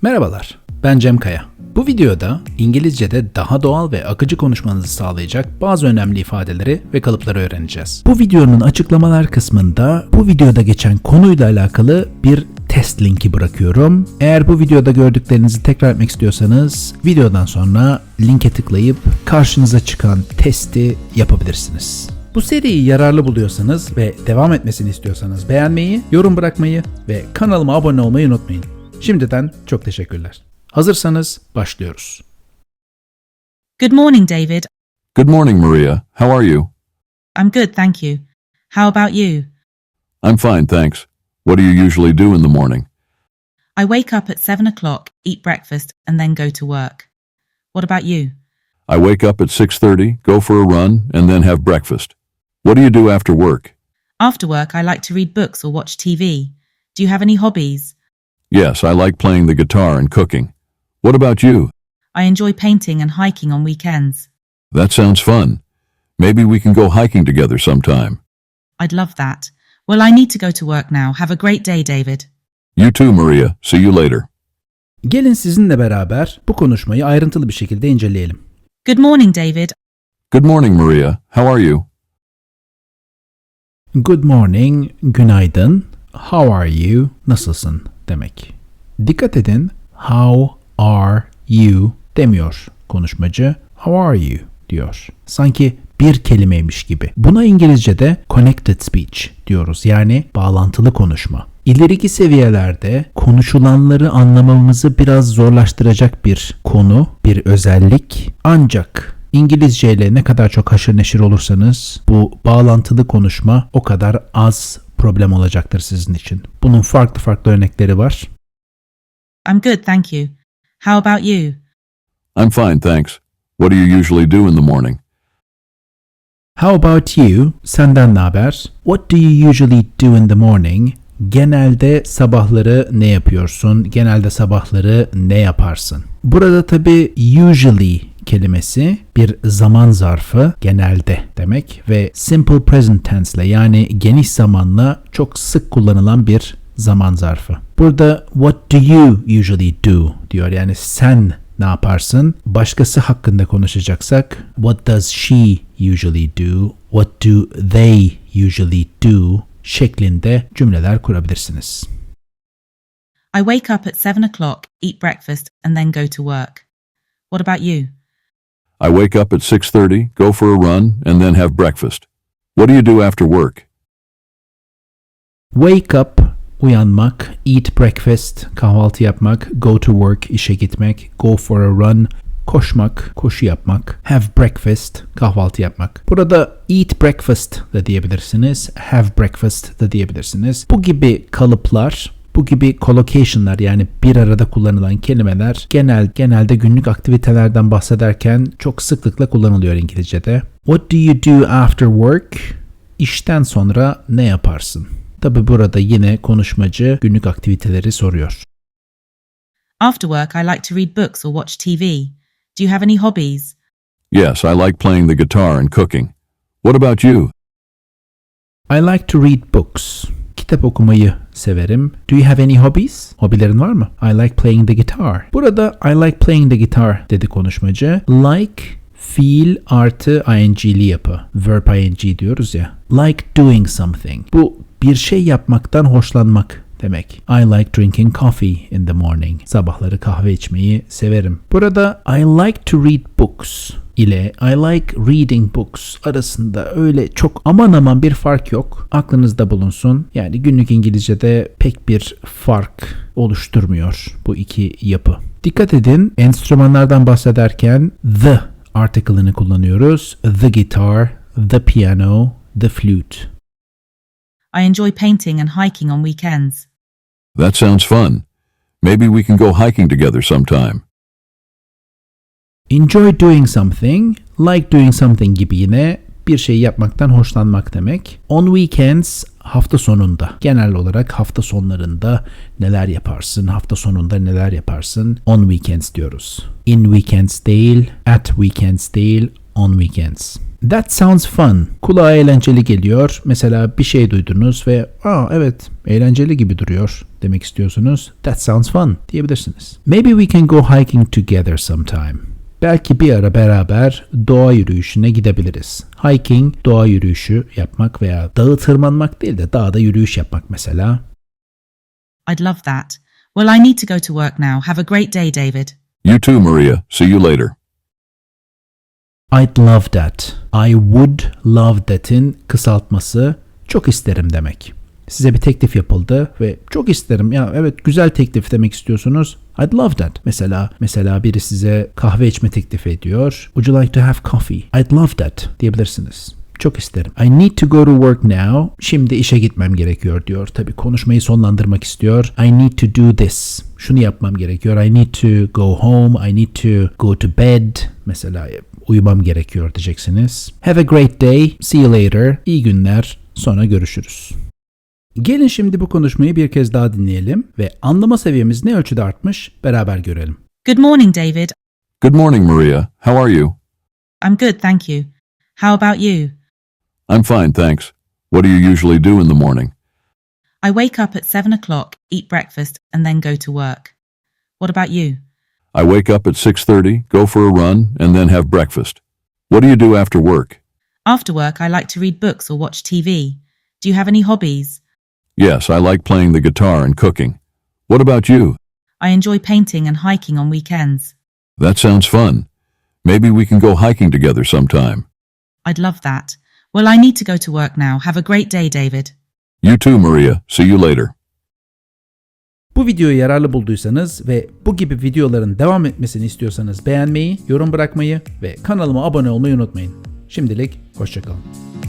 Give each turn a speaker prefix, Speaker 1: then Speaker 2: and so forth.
Speaker 1: Merhabalar, ben Cem Kaya. Bu videoda İngilizce'de daha doğal ve akıcı konuşmanızı sağlayacak bazı önemli ifadeleri ve kalıpları öğreneceğiz. Bu videonun açıklamalar kısmında bu videoda geçen konuyla alakalı bir test linki bırakıyorum. Eğer bu videoda gördüklerinizi tekrar etmek istiyorsanız videodan sonra linke tıklayıp karşınıza çıkan testi yapabilirsiniz. Bu seriyi yararlı buluyorsanız ve devam etmesini istiyorsanız beğenmeyi, yorum bırakmayı ve kanalıma abone olmayı unutmayın. Şimdiden çok teşekkürler. Hazırsanız başlıyoruz.
Speaker 2: Good morning, David.
Speaker 3: Good morning, Maria. How are you?
Speaker 2: I'm good, thank you. How about you?
Speaker 3: I'm fine, thanks. What do you usually do in the morning?
Speaker 2: I wake up at 7 o'clock, eat breakfast, and then go to work. What about you?
Speaker 3: I wake up at 6:30, go for a run, and then have breakfast. What do you do after work?
Speaker 2: After work, I like to read books or watch TV. Do you have any hobbies?
Speaker 3: Yes, I like playing the guitar and cooking. What about you?
Speaker 2: I enjoy painting and hiking on weekends.
Speaker 3: That sounds fun. Maybe we can go hiking together sometime.
Speaker 2: I'd love that. Well, I need to go to work now. Have a great day, David.
Speaker 3: You too, Maria. See you later.
Speaker 1: Gelin sizinle beraber bu konuşmayı ayrıntılı bir şekilde inceleyelim.
Speaker 2: Good morning, David.
Speaker 3: Good morning, Maria. How are you?
Speaker 1: Good morning, günaydın. How are you? Nasılsın demek. Dikkat edin, how are you demiyor konuşmacı. How are you diyor. Sanki bir kelimeymiş gibi. Buna İngilizce'de connected speech diyoruz. Yani bağlantılı konuşma. İleriki seviyelerde konuşulanları anlamamızı biraz zorlaştıracak bir konu, bir özellik. Ancak İngilizce ile ne kadar çok haşır neşir olursanız bu bağlantılı konuşma o kadar az problem olacaktır sizin için. Bunun farklı örnekleri var.
Speaker 2: I'm good, thank you. How about you?
Speaker 3: I'm fine, thanks. What do you usually do in the morning?
Speaker 1: How about you? Senden ne haber? What do you usually do in the morning? Genelde sabahları ne yapıyorsun? Genelde sabahları ne yaparsın? Burada tabii usually kelimesi bir zaman zarfı, genelde demek ve simple present tense ile yani geniş zamanla çok sık kullanılan bir zaman zarfı. Burada what do you usually do diyor, yani sen ne yaparsın? Başkası hakkında konuşacaksak what does she usually do? What do they usually do? Şeklinde cümleler kurabilirsiniz.
Speaker 2: I wake up at 7 o'clock, eat breakfast, and then go to work. What about you?
Speaker 3: I wake up at 6:30, go for a run, and then have breakfast. What do you do after work?
Speaker 1: Wake up, uyanmak, eat breakfast, kahvaltı yapmak, go to work, işe gitmek, go for a run, koşmak, koşu yapmak, have breakfast, kahvaltı yapmak. Burada eat breakfast da diyebilirsiniz, have breakfast da diyebilirsiniz. Bu gibi kalıplar, bu gibi collocation'lar, yani bir arada kullanılan kelimeler genelde günlük aktivitelerden bahsederken çok sıklıkla kullanılıyor İngilizce'de. What do you do after work? İşten sonra ne yaparsın? Tabi burada yine konuşmacı günlük aktiviteleri soruyor.
Speaker 2: After work, I like to read books or watch TV. Do you have any hobbies?
Speaker 3: Yes, I like playing the guitar and cooking. What about you?
Speaker 1: I like to read books. Kitap okumayı severim. Do you have any hobbies? Hobilerin var mı? I like playing the guitar. Burada I like playing the guitar dedi konuşmacı. Like fiil artı ing'li yapı. Verb ing diyoruz ya. Like doing something. Bu bir şey yapmaktan hoşlanmak demek. I like drinking coffee in the morning. Sabahları kahve içmeyi severim. Burada I like to read books ile I like reading books arasında öyle çok aman bir fark yok. Aklınızda bulunsun. Yani günlük İngilizce'de pek bir fark oluşturmuyor bu iki yapı. Dikkat edin, enstrümanlardan bahsederken the article'ını kullanıyoruz. The guitar, the piano, the flute.
Speaker 2: I enjoy painting and hiking on weekends.
Speaker 3: That sounds fun. Maybe we can go hiking together sometime.
Speaker 1: Enjoy doing something, like doing something gibi yine bir şey yapmaktan hoşlanmak demek. On weekends, hafta sonunda. Genel olarak hafta sonlarında neler yaparsın, hafta sonunda neler yaparsın? On weekends diyoruz. In weekends değil, at weekends değil, on weekends. That sounds fun. Kulağa eğlenceli geliyor. Mesela bir şey duydunuz ve evet eğlenceli gibi duruyor demek istiyorsunuz. That sounds fun diyebilirsiniz. Maybe we can go hiking together sometime. Belki bir ara beraber doğa yürüyüşüne gidebiliriz. Hiking, doğa yürüyüşü yapmak veya dağı tırmanmak değil de dağda yürüyüş yapmak mesela.
Speaker 2: I'd love that. Well, I need to go to work now. Have a great day, David.
Speaker 3: You too, Maria. See you later.
Speaker 1: I'd love that. I would love that'in kısaltması çok isterim demek. Size bir teklif yapıldı ve çok isterim ya evet güzel teklif demek istiyorsunuz. I'd love that. Mesela biri size kahve içme teklif ediyor. Would you like to have coffee? I'd love that diyebilirsiniz. Çok isterim. I need to go to work now. Şimdi işe gitmem gerekiyor diyor. Tabii konuşmayı sonlandırmak istiyor. I need to do this. Şunu yapmam gerekiyor. I need to go home. I need to go to bed. Mesela uyumam gerekiyor diyeceksiniz. Have a great day. See you later. İyi günler. Sonra görüşürüz. Gelin şimdi bu konuşmayı bir kez daha dinleyelim ve anlama seviyemiz ne ölçüde artmış beraber görelim.
Speaker 2: Good morning, David.
Speaker 3: Good morning, Maria. How are you?
Speaker 2: I'm good, thank you. How about you?
Speaker 3: I'm fine, thanks. What do you usually do in the morning?
Speaker 2: I wake up at 7 o'clock, eat breakfast, and then go to work. What about you?
Speaker 3: I wake up at 6:30, go for a run, and then have breakfast. What do you do after work?
Speaker 2: After work, I like to read books or watch TV. Do you have any hobbies?
Speaker 3: Yes, I like playing the guitar and cooking. What about you?
Speaker 2: I enjoy painting and hiking on weekends.
Speaker 3: That sounds fun. Maybe we can go hiking together sometime.
Speaker 2: I'd love that. Well, I need to go to work now. Have a great day, David.
Speaker 3: You too, Maria. See you later.
Speaker 1: Bu videoyu yararlı bulduysanız ve bu gibi videoların devam etmesini istiyorsanız beğenmeyi, yorum bırakmayı ve kanalıma abone olmayı unutmayın. Şimdilik hoşça kalın.